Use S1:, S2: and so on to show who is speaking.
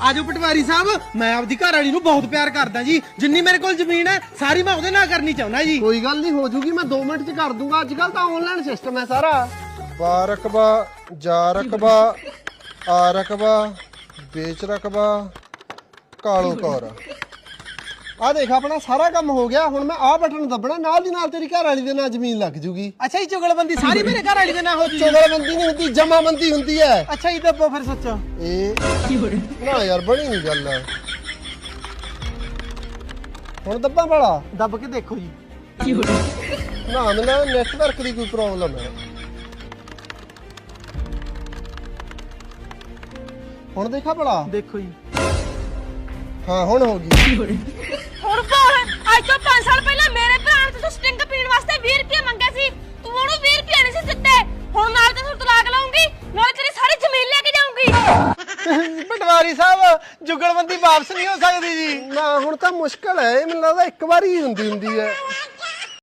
S1: ਆਜੋ ਪਟਵਾਰੀ ਸਾਹਿਬ, ਮੈਂ ਆਪਦੀ ਘਰ ਵਾਲੀ ਨੂੰ ਬਹੁਤ ਪਿਆਰ ਕਰਦਾ ਜੀ। ਜਿੰਨੀ ਮੇਰੇ ਕੋਲ ਜ਼ਮੀਨ ਹੈ ਸਾਰੀ ਮੈਂ ਉਹਦੇ ਨਾਲ ਕਰਨੀ ਚਾਹੁੰਦਾ ਜੀ।
S2: ਕੋਈ ਗੱਲ ਨਹੀਂ, ਹੋ ਜੂਗੀ, ਮੈਂ 2 ਮਿੰਟ ਚ ਕਰ ਦੂੰਗਾ। ਅੱਜ ਕੱਲ ਤਾਂ ਆਨਲਾਈਨ ਸਿਸਟਮ ਹੈ ਸਾਰਾ।
S3: ਬਾ ਰਕਬਾ, ਜਾ ਰਕਬਾ, ਆ ਰਕਬਾ, ਵੇਚ ਰਕਬਾ, ਕਾਲੂ ਕੌਰ।
S2: ਆ ਦੇਖ, ਆਪਣਾ ਸਾਰਾ ਕੰਮ ਹੋ ਗਿਆ। ਹੁਣ ਮੈਂ ਆਹ ਬਟਨ ਦੱਬਣਾ, ਨਾਲ ਦੀ ਨਾਲ ਤੇਰੀ ਘਰ ਵਾਲੀ ਦੇ ਨਾਲ ਜ਼ਮੀਨ ਲੱਗ ਜੂਗੀ।
S1: ਅੱਛਾ ਜੀ, ਚੁਗਲਬੰਦੀ ਸਾਰੀ ਮੇਰੇ ਘਰ ਵਾਲੀ ਦੇ ਨਾਲ ਹੋ ਜੂ।
S2: ਚੁਗਲਬੰਦੀ ਨਹੀਂ ਹੁੰਦੀ, ਜਮਾਬੰਦੀ ਹੁੰਦੀ ਹੈ।
S1: ਅੱਛਾ ਜੀ, ਦੱਬੋ ਫਿਰ ਸੱਚੋ।
S2: ਇਹ ਨਾ ਯਾਰ, ਬਣੀ ਨਹੀਂ ਗੱਲ। ਹੁਣ ਦੱਬਾਂ ਵਾਲਾ
S1: ਦੱਬ ਕੇ ਦੇਖੋ ਜੀ।
S2: ਨਾ, ਮੈਨੂੰ ਨੈਟਵਰਕ ਦੀ ਕੋਈ ਪ੍ਰੋਬਲਮ ਹੈ। ਹੁਣ ਦੇਖਾ ਭਲਾ।
S1: ਦੇਖੋ ਜੀ।
S2: ਹਾਂ, ਹੁਣ ਹੋ ਗਈ।
S4: ਹੁਣ ਬੋਲ, ਅੱਜ ਤੋਂ 5 ਸਾਲ ਪਹਿਲਾਂ ਮੇਰੇ ਭਰਾ ਨੇ ਤੂੰ ਸਟਿੰਗ ਪੀਣ ਵਾਸਤੇ 20 ਰੁਪਏ ਮੰਗੇ ਸੀ, ਤੂੰ ਉਹਨੂੰ 20 ਰੁਪਏ ਨਹੀਂ ਸੀ ਦਿੱਤੇ। ਹੁਣ ਨਾਲ ਤੇ ਤੂੰ ਤਲਾਕ ਲਾਉਂਗੀ, ਨਾਲ ਤੇਰੀ ਸਾਰੀ ਜ਼ਮੀਨ ਲੈ ਕੇ ਜਾਊਂਗੀ।
S1: ਪਟਵਾਰੀ ਸਾਹਿਬ, ਜੁਗਲਬੰਦੀ ਵਾਪਸ ਨਹੀਂ ਹੋ ਸਕਦੀ ਜੀ।
S2: ਨਾ, ਹੁਣ ਤਾਂ ਮੁਸ਼ਕਲ ਹੈ। ਇਹ ਮੈਨੂੰ ਲੱਗਦਾ ਇੱਕ ਵਾਰੀ ਹੀ ਹੁੰਦੀ ਹੈ।